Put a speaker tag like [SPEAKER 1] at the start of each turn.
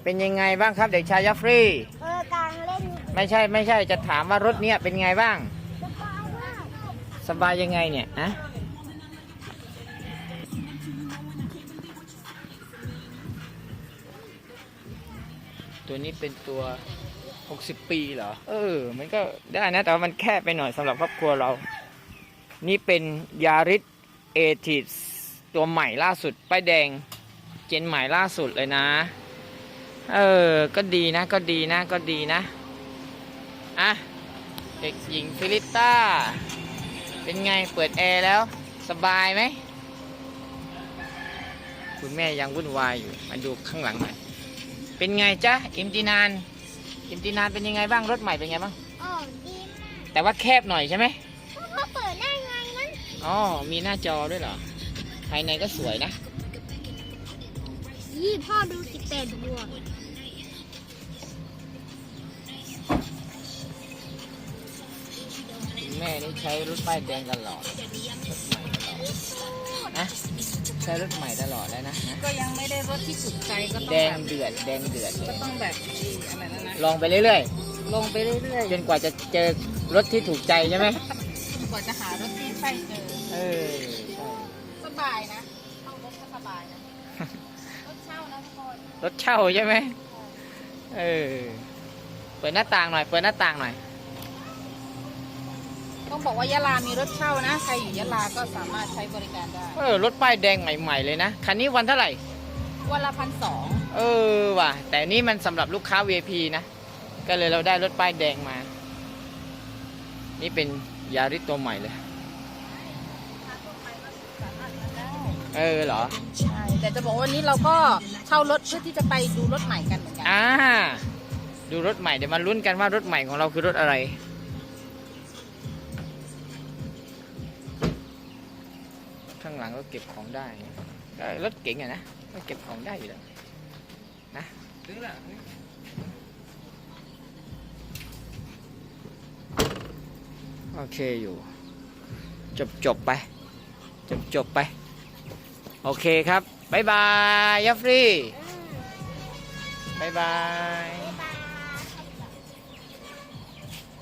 [SPEAKER 1] เป็นยังไงบ้างครับเด็กชายยัฟรี
[SPEAKER 2] กลางเล่น
[SPEAKER 1] ไม่ใช่จะถามว่ารถเนี้ยเป็นไงบ้าง
[SPEAKER 2] สบายมาก
[SPEAKER 1] สบายยังไงเนี่ยอะตัวนี้เป็นตัว60 ปีเหรอมันก็ได้นะแต่ว่ามันแคบไปหน่อยสำหรับครอบครัวเรานี่เป็นยาริสเอทิสตัวใหม่ล่าสุดป้ายแดงเจนใหม่ล่าสุดเลยนะก็ดีนะอ่ะเด็กหญิงฟิลิปต้าเป็นไงเปิดแอร์แล้วสบายไหมคุณแม่ยังวุ่นวายอยู่มาดูข้างหลังหน่อยเป็นไงจ๊ะอิมตินานเป็นยังไงบ้างรถใหม่เป็นไงบ้าง
[SPEAKER 2] ดีมาก
[SPEAKER 1] แต่ว่าแคบหน่อยใช่ไหม
[SPEAKER 2] พ่อเปิดได้ไงนั้น
[SPEAKER 1] มีหน้าจอด้วยเหรอภายในก็สวยนะ
[SPEAKER 2] พ่อดู18 บวก
[SPEAKER 1] แม่นี่ใช้รถป้ายแดงตลอดนะใช้รถใหม่ตลอดแล้วนะ
[SPEAKER 3] ก็ยังไม่ได้รถที่ถูกใจก็ต้อง
[SPEAKER 1] แดงเดือด
[SPEAKER 3] ก็ต้องแบบอะไรนะ
[SPEAKER 1] ลองไปเรื่อย
[SPEAKER 3] ลงไปเรื่อย
[SPEAKER 1] ๆจนกว่าจะเจอรถที่ถูกใจใช่ไหม
[SPEAKER 3] จนกว่าจะหารถที่ใช่เจอ
[SPEAKER 1] ใช่
[SPEAKER 3] สบายนะเข้ารถก็สบายนะรถเช่านะทุกคน
[SPEAKER 1] รถเช่าใช่ไหมเปิดหน้าต่างหน่อย
[SPEAKER 3] ต้องบอกว่ายะลามีรถเช่านะใครอยู่ยะลาก็สามารถใช้บริการได้
[SPEAKER 1] รถป้ายแดงใหม่ๆเลยนะคันนี้วันเท่าไหร่
[SPEAKER 3] วันละ1,200
[SPEAKER 1] ว่ะแต่นี่มันสำหรับลูกค้า VIP นะก็เลยเราได้รถป้ายแดงมานี่เป็นยาริสตัวใหม่เลยเหรอ
[SPEAKER 3] ใช่แต่จะบอกว่าวันนี้เราก็เช่ารถเพื่อที่จะไปดูรถใหม่กันเหมือนกัน
[SPEAKER 1] ดูรถใหม่เดี๋ยวมาลุ้นกันว่ารถใหม่ของเราคือรถอะไรข้างหลังก็เก็บของได้รถเก๋งนะก็เก็บของได้อยู่แล้วนะโอเคอยู่จบไปโอเคครับบ๊ายบายยัฟรีบ๊ายบาย